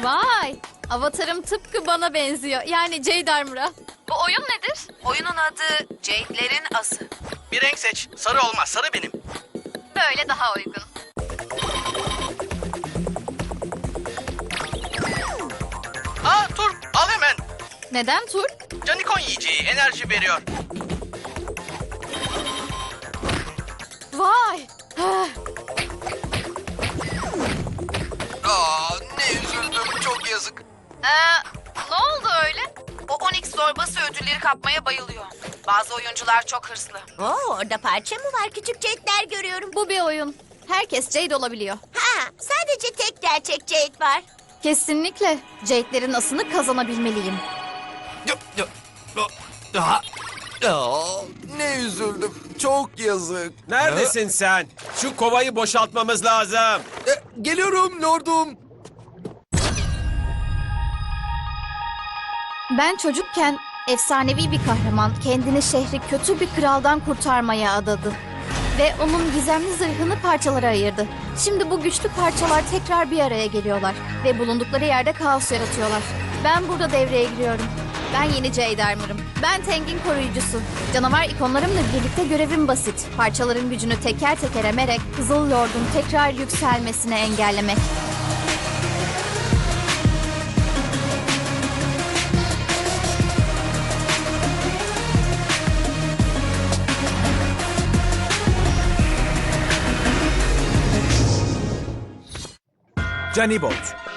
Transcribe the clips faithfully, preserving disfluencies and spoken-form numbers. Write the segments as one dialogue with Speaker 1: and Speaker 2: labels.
Speaker 1: Vay! Avatarım tıpkı bana benziyor. Yani Jade Armor'a. Bu oyun nedir?
Speaker 2: Oyunun adı Jade'lerin Ası.
Speaker 3: Bir renk seç. Sarı olmaz. Sarı benim.
Speaker 1: Böyle daha uygun.
Speaker 3: Aa Tur al hemen.
Speaker 1: Neden Tur?
Speaker 3: Canikon yiyeceği enerji veriyor.
Speaker 1: Vay! Ah,
Speaker 4: Aa, ne üzüldüm, çok yazık.
Speaker 2: Ee, ne oldu öyle? O Onyx zorbası ödülleri kapmaya bayılıyor. Bazı oyuncular çok hırslı.
Speaker 5: Oo, orada parça mı var? Küçük Jade'ler görüyorum.
Speaker 1: bu bir oyun. Herkes Jade olabiliyor.
Speaker 5: Ha, sadece tek gerçek Jade var.
Speaker 1: Kesinlikle Jade'lerin asını kazanabilmeliyim.
Speaker 4: Aa, aa, ne üzüldüm, çok yazık.
Speaker 6: Neredesin sen? Şu kovayı boşaltmamız lazım.
Speaker 4: E, geliyorum lordum.
Speaker 1: Ben çocukken efsanevi bir kahraman kendini şehri kötü bir kraldan kurtarmaya adadı. Ve onun gizemli zırhını parçalara ayırdı. Şimdi bu güçlü parçalar tekrar bir araya geliyorlar. Ve bulundukları yerde kaos yaratıyorlar. Ben burada devreye giriyorum. Ben yeni Jade Armor'ım. Ben Teng'in koruyucusu. Canavar ikonlarımla birlikte görevim basit. Parçaların gücünü teker teker emerek Kızıl Lord'un tekrar yükselmesini engellemek.
Speaker 6: Canibot.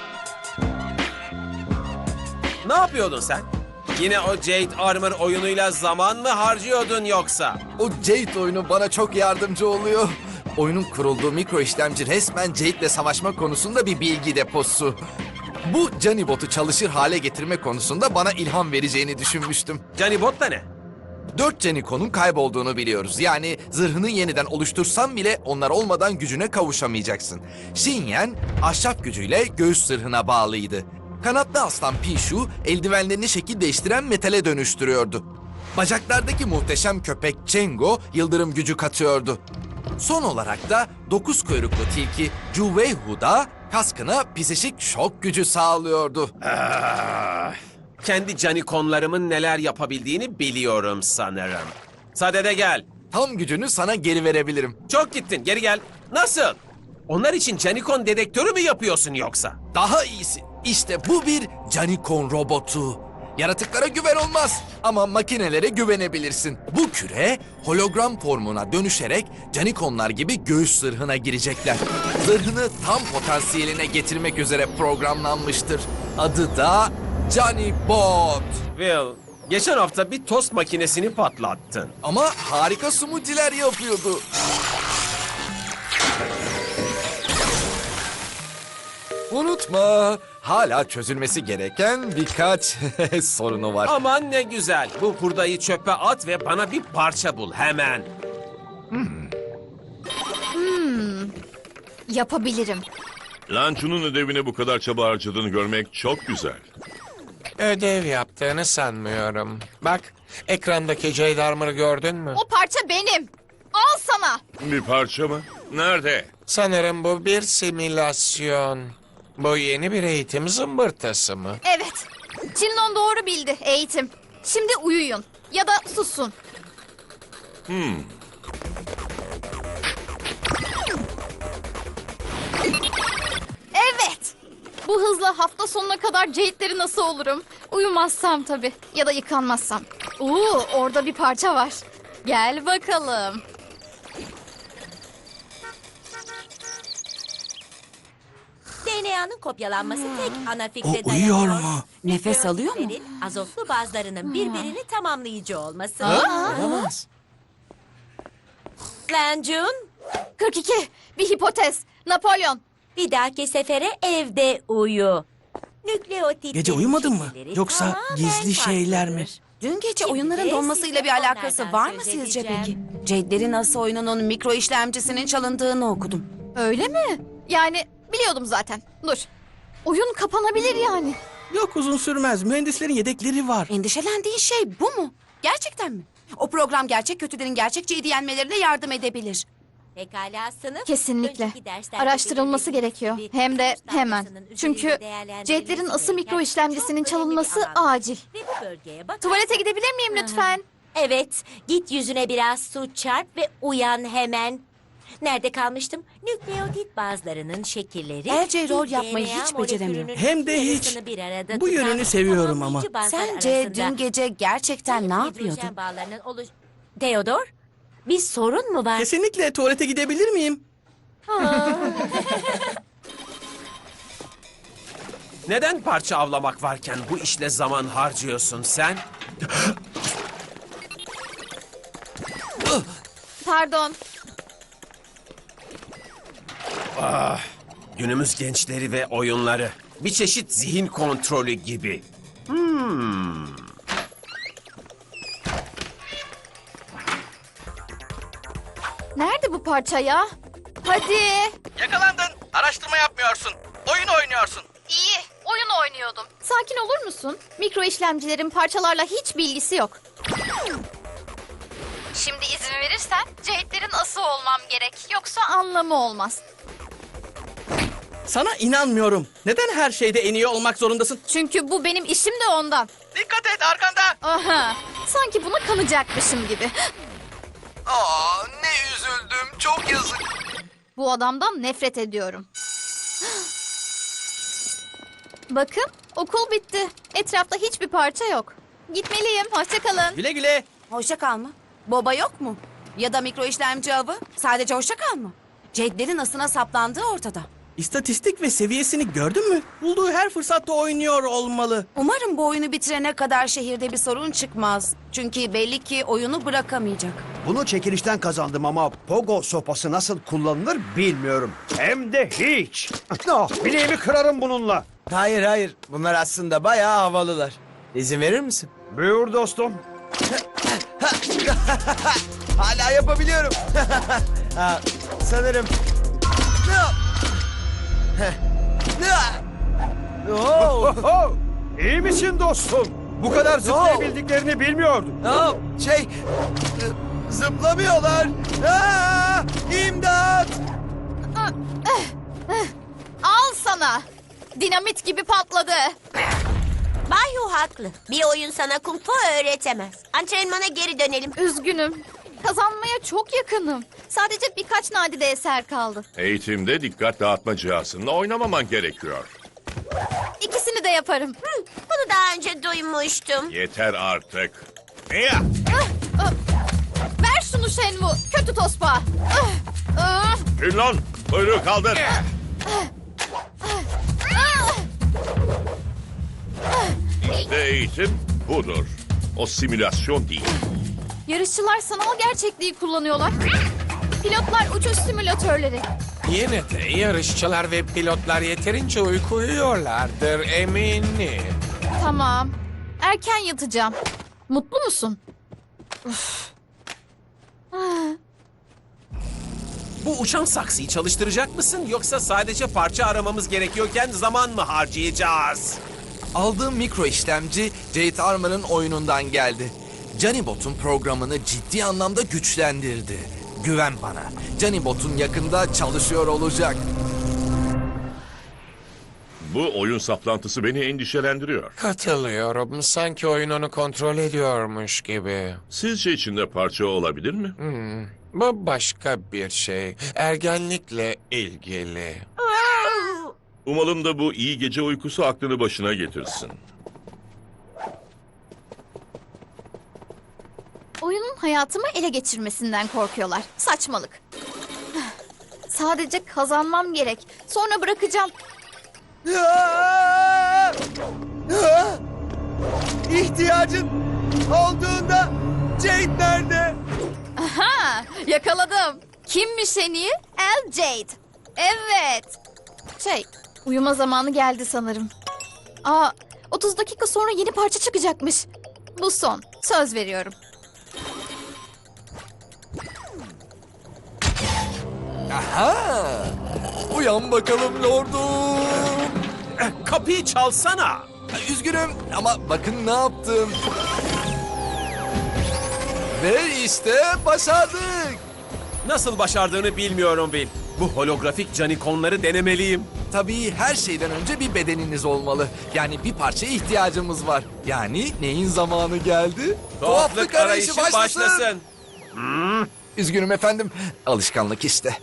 Speaker 6: Ne yapıyordun sen? Yine o Jade Armor oyunuyla zaman mı harcıyordun yoksa?
Speaker 4: O Jade oyunu bana çok yardımcı oluyor. Oyunun kurulduğu mikro işlemci resmen Jade'le savaşma konusunda bir bilgi deposu. Bu Canibot'u çalışır hale getirme konusunda bana ilham vereceğini düşünmüştüm.
Speaker 6: Canibot da ne?
Speaker 4: Dört Canikon'un kaybolduğunu biliyoruz. Yani zırhını yeniden oluştursan bile onlar olmadan gücüne kavuşamayacaksın. Shinyen ahşap gücüyle göğüs zırhına bağlıydı. Kanatlı aslan Pishu eldivenlerini şekil değiştiren metale dönüştürüyordu. Bacaklardaki muhteşem köpek Chengo yıldırım gücü katıyordu. Son olarak da dokuz kuyruklu tilki Juweihu da kaskına psişik şok gücü sağlıyordu.
Speaker 6: Kendi canikonlarımın neler yapabildiğini biliyorum sanırım. Sadede gel.
Speaker 4: Tam gücünü sana geri verebilirim.
Speaker 6: Çok gittin, geri gel. Nasıl? Onlar için canikon dedektörü mü yapıyorsun yoksa?
Speaker 4: Daha iyisi. İşte bu bir Canikon robotu. Yaratıklara güven olmaz ama makinelere güvenebilirsin. Bu küre hologram formuna dönüşerek Canikonlar gibi göğüs zırhına girecekler. Zırhını tam potansiyeline getirmek üzere programlanmıştır. Adı da Canibot.
Speaker 6: Will, geçen hafta bir tost makinesini patlattın.
Speaker 4: Ama harika smoothie'ler yapıyordu. Unutma, hala çözülmesi gereken birkaç sorunu var.
Speaker 6: Aman ne güzel. Bu hurdayı çöpe at ve bana bir parça bul hemen.
Speaker 1: Yapabilirim.
Speaker 7: Lanço'nun ödevine bu kadar çaba harcadığını görmek çok güzel.
Speaker 8: Ödev yaptığını sanmıyorum. Bak, ekrandaki Jade Armor'ı gördün mü?
Speaker 1: O parça benim. Al sana.
Speaker 7: Bir parça mı? Nerede?
Speaker 8: Sanırım bu bir simülasyon. Bu yeni bir eğitim zımbırtası mı?
Speaker 1: Evet. Çinlon doğru bildi eğitim. Şimdi uyuyun. Ya da susun.
Speaker 7: Hmm.
Speaker 1: Evet. Bu hızla hafta sonuna kadar Jade'leri nasıl olurum? Uyumazsam tabii. Ya da yıkanmazsam. Oo, orada bir parça var. Gel bakalım.
Speaker 5: D N A'nın kopyalanması tek ana fikre
Speaker 9: O uyuyor
Speaker 5: dayanıyor.
Speaker 9: mu?
Speaker 5: Nefes alıyor mu? Azotlu bazlarının birbirini tamamlayıcı olması.
Speaker 8: Olamaz.
Speaker 5: Lancun,
Speaker 1: kırk iki. Bir hipotez. Napolyon.
Speaker 5: bir dahaki sefere evde uyu. Nükleotitlerin
Speaker 9: Gece uyumadın mı?
Speaker 5: şekilleri
Speaker 9: Yoksa
Speaker 5: tamamen
Speaker 9: gizli şeyler mi?
Speaker 5: farklıdır.
Speaker 2: Dün gece
Speaker 5: Şimdi
Speaker 2: oyunların
Speaker 5: de
Speaker 2: donmasıyla
Speaker 5: size
Speaker 2: bir alakası
Speaker 5: onlardan
Speaker 2: var mı
Speaker 5: söz
Speaker 2: sizce
Speaker 5: edeceğim.
Speaker 2: peki? Jade'lerin Ası oyununun mikro işlemcisinin çalındığını okudum.
Speaker 1: Öyle mi? Yani biliyordum zaten. Dur. Oyun kapanabilir yani.
Speaker 9: Yok uzun sürmez. Mühendislerin yedekleri var.
Speaker 2: Endişelendiğin şey bu mu? Gerçekten mi? O program gerçek kötülerin gerçek Jade'i yenmelerine yardım edebilir.
Speaker 5: Pekala sınıf.
Speaker 1: Kesinlikle.
Speaker 5: Önceki derslerde
Speaker 1: Araştırılması
Speaker 5: belirlediğimiz
Speaker 1: gerekiyor.
Speaker 5: gibi
Speaker 1: Hem de
Speaker 5: Rus
Speaker 1: hemen.
Speaker 5: dalgasının
Speaker 1: Çünkü
Speaker 5: üzerinde değerlendirilmesi
Speaker 1: Jade'lerin ısı
Speaker 5: gereken
Speaker 1: mikro işlemcisinin
Speaker 5: çok önemli bir
Speaker 1: çalınması
Speaker 5: alan.
Speaker 1: acil.
Speaker 5: Ve bu bölgeye bakarsın.
Speaker 1: Tuvalete gidebilir miyim lütfen?
Speaker 5: Evet, git yüzüne biraz su çarp ve uyan hemen. Nerede kalmıştım? Nükleotit bazlarının şekilleri...
Speaker 10: Elce rol
Speaker 5: bir
Speaker 10: yapmayı
Speaker 5: D N A
Speaker 10: hiç beceremiyor.
Speaker 5: molekülünün
Speaker 9: Hem de hiç.
Speaker 5: yarısını bir arada
Speaker 9: Bu
Speaker 5: tutan
Speaker 9: yönünü seviyorum ama.
Speaker 5: tamamlayıcı bazlar
Speaker 10: Sence
Speaker 5: arasında
Speaker 10: dün gece gerçekten ne
Speaker 5: zayıf
Speaker 10: yapıyordun?
Speaker 5: hidrojen bağlarının oluş... Theodor, bir sorun mu var?
Speaker 9: Kesinlikle tuvalete gidebilir miyim?
Speaker 6: Neden parça avlamak varken bu işle zaman harcıyorsun sen?
Speaker 1: Pardon.
Speaker 6: Günümüz gençleri ve oyunları. Bir çeşit zihin kontrolü gibi. Hmm.
Speaker 1: Nerede bu parça ya? Hadi.
Speaker 3: Yakalandın. Araştırma yapmıyorsun. Oyun oynuyorsun.
Speaker 1: İyi. Oyun oynuyordum. Sakin olur musun? Mikro işlemcilerin parçalarla hiç bilgisi yok. Şimdi izin verirsen Jade'lerin ası olmam gerek. Yoksa anlamı olmaz.
Speaker 9: Sana inanmıyorum. Neden her şeyde en iyi olmak zorundasın?
Speaker 1: Çünkü bu benim işim de ondan.
Speaker 3: Dikkat et arkanda.
Speaker 1: Aha. Sanki buna kanacakmışım gibi.
Speaker 4: Aa, ne üzüldüm. Çok yazık.
Speaker 1: Bu adamdan nefret ediyorum. Bakın, okul bitti. Etrafta hiçbir parça yok. Gitmeliyim. Hoşça kalın.
Speaker 9: Güle güle.
Speaker 10: Hoşça kal mı? Boba yok mu? Ya da mikro işlemci avı? Sadece hoşça kal mı? Jade'lerin asına saplandığı ortada.
Speaker 9: İstatistik ve seviyesini gördün mü? Bulduğu her fırsatta oynuyor olmalı.
Speaker 10: Umarım bu oyunu bitirene kadar şehirde bir sorun çıkmaz. Çünkü belli ki oyunu bırakamayacak.
Speaker 11: Bunu çekilişten kazandım ama pogo sopası nasıl kullanılır bilmiyorum. Hem de hiç. Ah, bileğimi kırarım bununla.
Speaker 12: Hayır hayır. Bunlar aslında bayağı havalılar. İzin verir misin?
Speaker 11: Buyur dostum.
Speaker 12: Hala yapabiliyorum. Ha, sanırım. Oo,
Speaker 11: Oh, İyi misin dostum? Bu kadar zıplayabildiklerini bilmiyordum.
Speaker 12: oo, şey, e, zıplamıyorlar. Aa, İmdat!
Speaker 1: Al sana. Dinamit gibi patladı.
Speaker 5: Bayu haklı. Bir oyun sana kung fu öğretemez. Antrenmana geri dönelim.
Speaker 1: Üzgünüm. Kazanmaya çok yakınım. Sadece birkaç nadide eser kaldı.
Speaker 7: Eğitimde dikkat dağıtma cihazınla oynamaman gerekiyor.
Speaker 1: İkisini de yaparım.
Speaker 5: Bunu daha önce duymuştum.
Speaker 7: Yeter artık.
Speaker 1: Ver şunu Shenwu. Kötü tospa. Ah, ah,
Speaker 7: Ünlon, kuyruğu kaldır. İşte eğitim budur. O simülasyon değil.
Speaker 1: Yarışçılar sanal gerçekliği kullanıyorlar. Pilotlar uçuş simülatörleri.
Speaker 8: Yine de yarışçılar ve pilotlar yeterince uyku uyuyorlardır eminim.
Speaker 1: Tamam. Erken yatacağım. Mutlu musun? Uf. Ah,
Speaker 6: Bu uçan saksıyı çalıştıracak mısın yoksa sadece parça aramamız gerekiyorken zaman mı harcayacağız?
Speaker 4: Aldığım mikro işlemci Jade Armor'ın oyunundan geldi. Canibot'un programını ciddi anlamda güçlendirdi. Güven bana. Canibot'un yakında çalışıyor olacak.
Speaker 7: Bu oyun saplantısı beni endişelendiriyor.
Speaker 8: Katılıyorum. Sanki oyun onu kontrol ediyormuş gibi.
Speaker 7: Sizce içinde parça olabilir mi?
Speaker 8: Hmm, bu başka bir şey. Ergenlikle ilgili.
Speaker 7: Umalım da bu iyi gece uykusu aklını başına getirsin.
Speaker 1: oyunun hayatımı ele geçirmesinden korkuyorlar. Saçmalık. Sadece kazanmam gerek. Sonra bırakacağım.
Speaker 12: Aa! Aa! İhtiyacın olduğunda Jade nerede?
Speaker 1: Aha, yakaladım. Kimmiş en iyi? El Jade. Evet. Şey, uyuma zamanı geldi sanırım. Aa, otuz dakika sonra yeni parça çıkacakmış. Bu son. Söz veriyorum.
Speaker 4: Aha! Uyan bakalım lordum.
Speaker 6: Eh, Kapıyı çalsana.
Speaker 4: Üzgünüm ama bakın ne yaptım. Ve işte başardık.
Speaker 6: Nasıl başardığını bilmiyorum Bill. Bu holografik canikonları denemeliyim.
Speaker 4: Tabii her şeyden önce bir bedeniniz olmalı. Yani bir parçaya ihtiyacımız var. Yani neyin zamanı geldi?
Speaker 6: Tuhaflık arayışı başlasın.
Speaker 4: Üzgünüm efendim. Alışkanlık işte.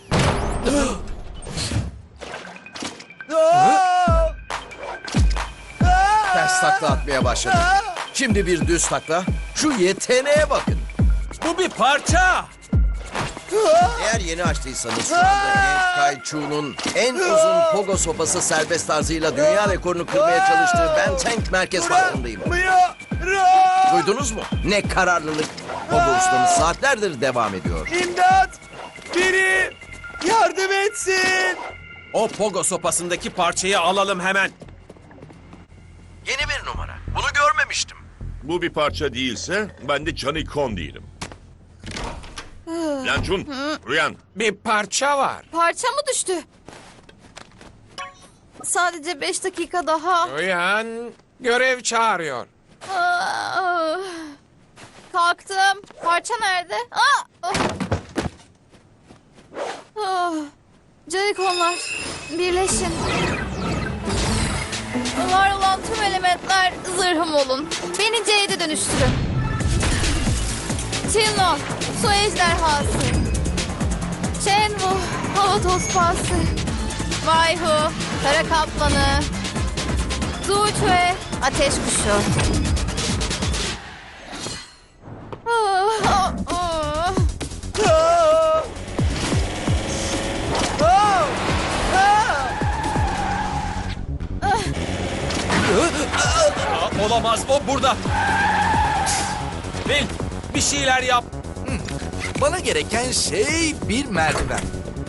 Speaker 12: Ters takla atmaya başladım. Şimdi bir düz takla. Şu yeteneğe bakın.
Speaker 6: Bu bir parça.
Speaker 12: Eğer yeni açtıysanız şu anda genç Kai Chu'nun en uzun pogo sopası serbest tarzıyla dünya rekorunu kırmaya çalıştığı Ben Tank merkez farkındayım. Duydunuz mu? Ne kararlılık. Pogo ustamız saatlerdir devam ediyor.
Speaker 9: İmdat! Biri yardım etsin!
Speaker 6: O pogo sopasındaki parçayı alalım hemen.
Speaker 12: Yeni bir numara. Bunu görmemiştim.
Speaker 7: Bu bir parça değilse ben de Canikon değilim. Lancun, uyan.
Speaker 8: Bir parça var.
Speaker 1: Parça mı düştü? Sadece beş dakika daha.
Speaker 8: Uyan. Görev çağırıyor.
Speaker 1: Aa, kalktım. Parça nerede? Aa, oh. Ah, Canikonlar, birleşin. Var olan tüm elementler zırhım olun. Beni Jade'e dönüştürün. Tinno, su ejderhası. Shenwu, hava tospası. Vayhu, kara kaplanı. Zuchue, ateş kuşu. Ah, ah, ah.
Speaker 6: Aa, olamaz, o burada. Bill, bir şeyler yap.
Speaker 4: Bana gereken şey bir merdiven.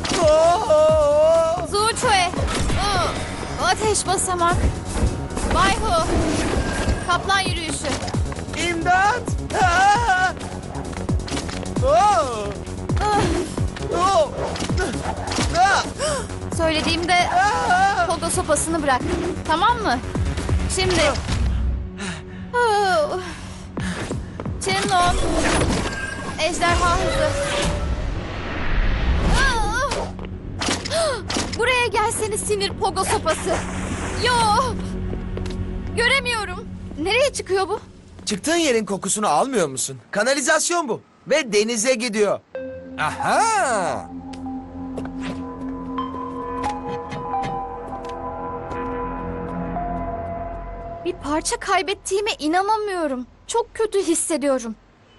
Speaker 1: Zuchue, ah, ateş basamak. Vayhu, kaplan yürüyüşü.
Speaker 9: İmdat! Aa! Oh!
Speaker 1: Ah,
Speaker 9: Oh! Ah!
Speaker 1: söylediğimde pogo sopasını bırak. Tamam mı? Şimdi. Oh. Tinnon. Ejderha hızı. Ah! Buraya gelsene sinir pogo sopası. Yo. Göremiyorum. Nereye çıkıyor bu?
Speaker 12: Çıktığın yerin kokusunu almıyor musun? Kanalizasyon bu. Ve denize gidiyor.
Speaker 4: Aha!
Speaker 1: Bir parça kaybettiğime inanamıyorum. Çok kötü hissediyorum.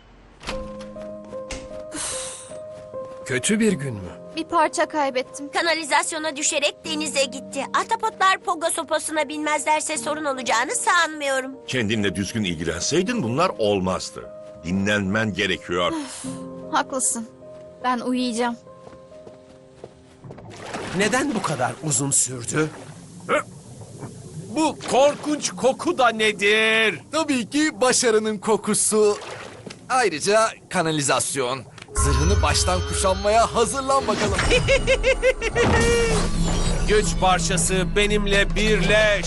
Speaker 11: Kötü bir gün mü?
Speaker 1: Bir parça kaybettim.
Speaker 5: Kanalizasyona düşerek denize gitti. Ahtapotlar pogo sopasına binmezlerse sorun olacağını sanmıyorum.
Speaker 7: Kendinle düzgün ilgilenseydin bunlar olmazdı. Dinlenmen gerekiyor.
Speaker 1: Haklısın. Ben uyuyacağım.
Speaker 6: Neden bu kadar uzun sürdü? Bu korkunç koku da nedir?
Speaker 4: Tabii ki başarının kokusu. Ayrıca kanalizasyon. Zırhını baştan kuşanmaya hazırlan bakalım.
Speaker 6: Güç parçası benimle birleş.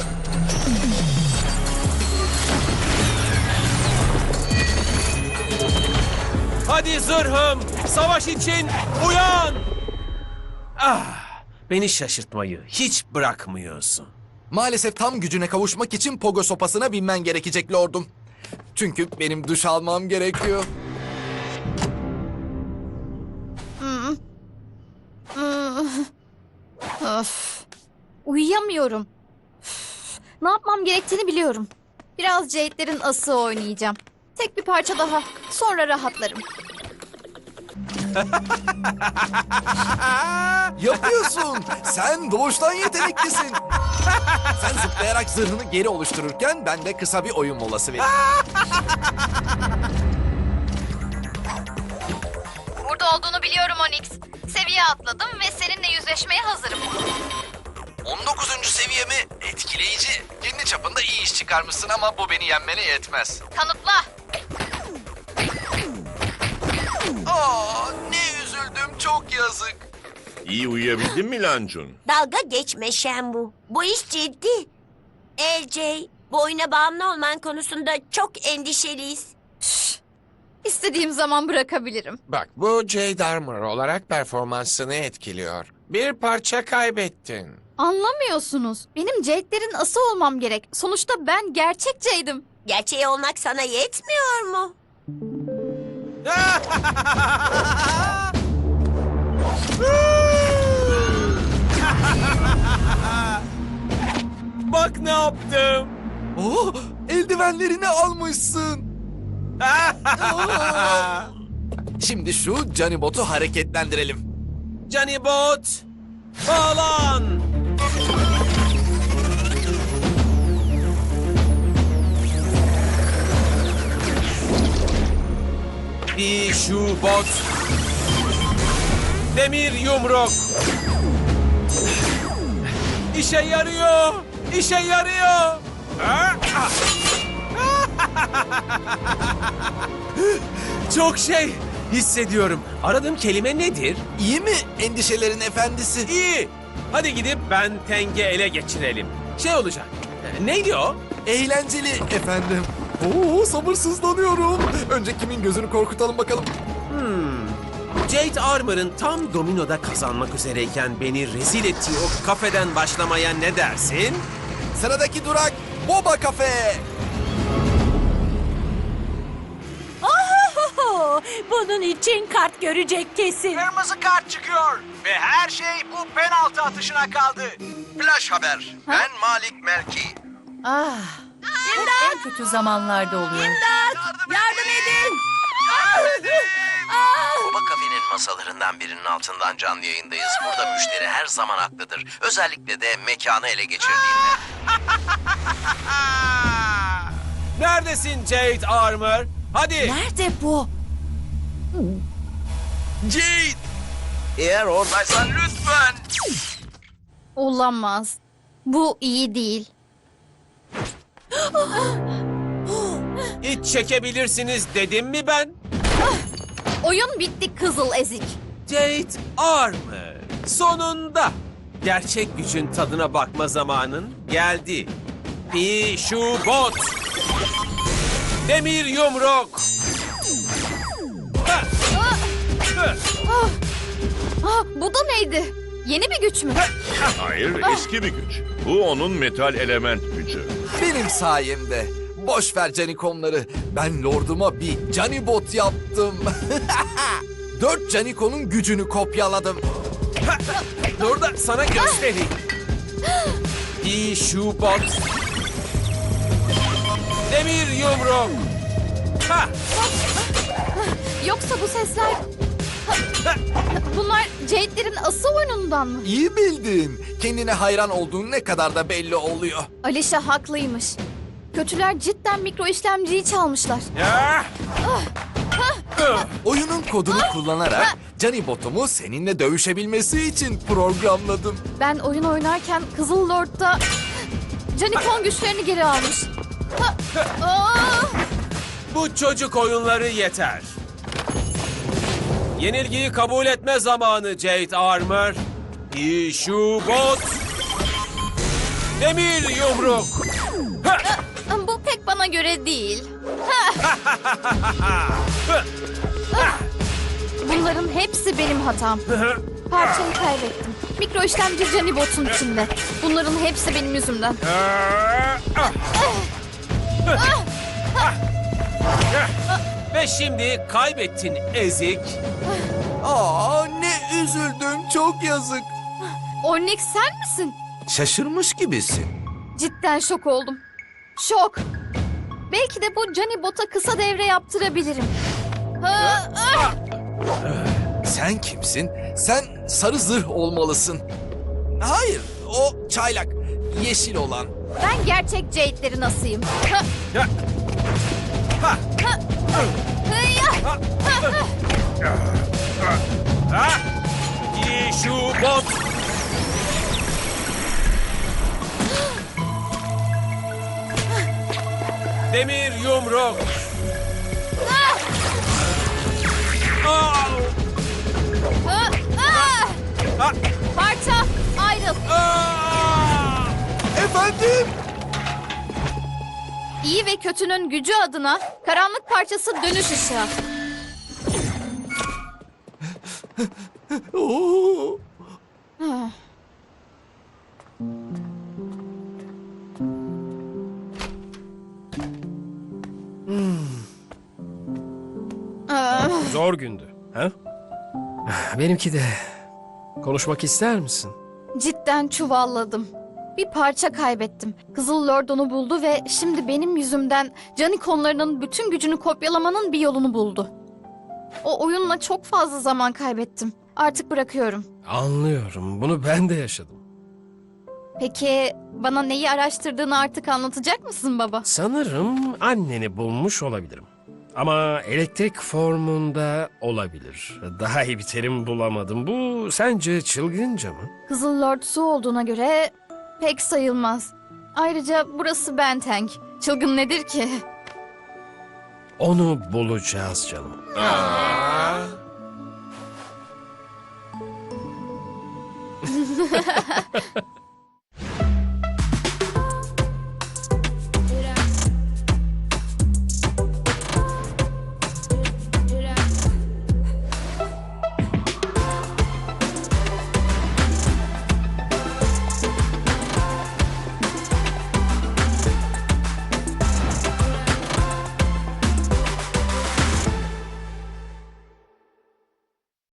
Speaker 6: Hadi zırhım, savaş için uyan! Ah, beni şaşırtmayı hiç bırakmıyorsun.
Speaker 4: Maalesef tam gücüne kavuşmak için pogo sopasına binmen gerekecek lordum. Çünkü benim duş almam gerekiyor.
Speaker 1: Of. Uyuyamıyorum. Üf. Ne yapmam gerektiğini biliyorum. Biraz Jade'lerin ası oynayacağım. Tek bir parça daha. Sonra rahatlarım.
Speaker 4: Yapıyorsun. Sen doğuştan yeteneklisin. Sen zıplayarak zırhını geri oluştururken ben de kısa bir oyun molası vereyim.
Speaker 1: Burada olduğunu biliyorum Onyx. Seviye atladım ve seninle yüzleşmeye hazırım.
Speaker 4: on dokuzuncu seviyemi etkileyici. Kendi çapında iyi iş çıkarmışsın ama bu beni yenmene yetmez.
Speaker 1: Kanıtla.
Speaker 4: Aa, ne üzüldüm, çok yazık.
Speaker 7: İyi uyuyabildin mi Lancun?
Speaker 5: Dalga geçme Shenwu. Bu iş ciddi. L J, bu oyuna bağımlı olman konusunda çok endişeliyiz.
Speaker 1: İstediğim zaman bırakabilirim.
Speaker 8: Bak, bu Jade Armor olarak performansını etkiliyor. Bir parça kaybettin.
Speaker 1: Anlamıyorsunuz. Benim Jade'lerin ası olmam gerek. Sonuçta ben gerçek Jade'im.
Speaker 5: Gerçeği olmak sana yetmiyor mu?
Speaker 6: Bak ne yaptım.
Speaker 4: Oh, eldivenlerini almışsın. Şimdi şu Canibot'u hareketlendirelim.
Speaker 6: Canibot, bağlan. Bir şu bot. Demir yumruk. İşe yarıyor. İşe yarıyor. Çok şey hissediyorum. Aradığım kelime nedir?
Speaker 4: İyi mi endişelerin efendisi?
Speaker 6: İyi. Hadi gidip Ben Teng'i ele geçirelim. Şey olacak. Neydi o?
Speaker 4: Eğlenceli efendim. Oo, sabırsızlanıyorum. Önce kimin gözünü korkutalım bakalım.
Speaker 6: Jade Armor'ın tam dominoda kazanmak üzereyken beni rezil ettiği o kafeden başlamaya ne dersin?
Speaker 4: Sıradaki durak Boba Cafe.
Speaker 5: Ohohoho! Bunun için kart görecek kesin.
Speaker 3: Kırmızı kart çıkıyor. Ve her şey bu penaltı atışına kaldı.
Speaker 12: Flash haber. Ben Malik Melki.
Speaker 1: Ah,
Speaker 10: En kötü zamanlarda oluyor.
Speaker 5: Yardım edin!
Speaker 12: Boba Kafe'nin masalarından birinin altından canlı yayındayız. Burada müşteri her zaman haklıdır. Özellikle de mekanı ele geçirdiğinde.
Speaker 6: Neredesin Jade Armor? Hadi.
Speaker 10: Nerede bu?
Speaker 12: Jade! Eğer oradaysan lütfen.
Speaker 1: olamaz. Bu iyi değil.
Speaker 6: İç çekebilirsiniz dedim mi ben?
Speaker 1: Oyun bitti kızıl ezik.
Speaker 6: Jade Armor. Sonunda. Gerçek gücün tadına bakma zamanın geldi. Bir şu bot. Demir yumruk. Ha!
Speaker 1: Ah, bu da neydi? Yeni bir güç mü?
Speaker 7: Hayır, eski bir güç. Bu onun metal element gücü.
Speaker 4: Benim sayemde. Boş ver Canikonları. Ben lorduma bir Canibot yaptım. Dört Canikon'un gücünü kopyaladım.
Speaker 6: Dur da sana göstereyim. Bir şu bot. Demir yumruk. Ha!
Speaker 1: Yoksa bu sesler... Bunlar Jade'lerin ası oyunundan mı?
Speaker 4: İyi bildin. Kendine hayran olduğun ne kadar da belli oluyor.
Speaker 1: Alişa haklıymış. Kötüler cidden mikro işlemciyi çalmışlar.
Speaker 6: Ya!
Speaker 4: Oyunun kodunu kullanarak Canibotumu seninle dövüşebilmesi için programladım.
Speaker 1: Ben oyun oynarken Kızıl Lord da Canikon güçlerini geri almış. Ha, aa!
Speaker 6: Bu çocuk oyunları yeter. Yenilgiyi kabul etme zamanı Jade Armor. Bir şu bot. Demir yumruk. Ha!
Speaker 1: Bu pek bana göre değil. Bunların hepsi benim hatam. Parçayı kaybettim. Mikro işlemci Canibot'un içinde. Bunların hepsi benim yüzümden.
Speaker 6: Ve şimdi kaybettin ezik.
Speaker 4: Aa, ne üzüldüm, çok yazık.
Speaker 1: Onyx sen misin?
Speaker 4: Şaşırmış gibisin.
Speaker 1: Cidden şok oldum. Şok. Belki de bu Canibot'a kısa devre yaptırabilirim. Ha, ah!
Speaker 4: Sen kimsin? Sen sarı zırh olmalısın. Hayır, o çaylak, yeşil olan.
Speaker 1: Ben gerçek Jade'lerin asıyım. Ha,
Speaker 6: Ya! Ha!
Speaker 1: ha, hıya!
Speaker 6: Ha! Bir şu bot. Demir yumruk. Aa!
Speaker 1: Ha, ah!
Speaker 6: Ha!
Speaker 1: Parça ayrıl.
Speaker 6: Aa!
Speaker 4: Efendim?
Speaker 1: İyi ve kötünün gücü adına karanlık parçası dönüş ışığı.
Speaker 4: Oo.
Speaker 1: Ah. Ah.
Speaker 13: Zor gündü. Ha? Benimki de. Konuşmak ister misin?
Speaker 1: Cidden çuvalladım. Bir parça kaybettim. Kızıl Lord onu buldu ve şimdi benim yüzümden canikonlarının bütün gücünü kopyalamanın bir yolunu buldu. O oyunla çok fazla zaman kaybettim. Artık bırakıyorum.
Speaker 13: Anlıyorum. Bunu ben de yaşadım.
Speaker 1: Peki bana neyi araştırdığını artık anlatacak mısın baba?
Speaker 13: Sanırım anneni bulmuş olabilirim. Ama elektrik formunda olabilir. Daha iyi bir terim bulamadım. Bu sence çılgınca mı?
Speaker 1: Kızıl Lord su olduğuna göre pek sayılmaz. Ayrıca burası Benteng. Çılgın nedir ki?
Speaker 13: Onu bulacağız canım.
Speaker 8: Aa.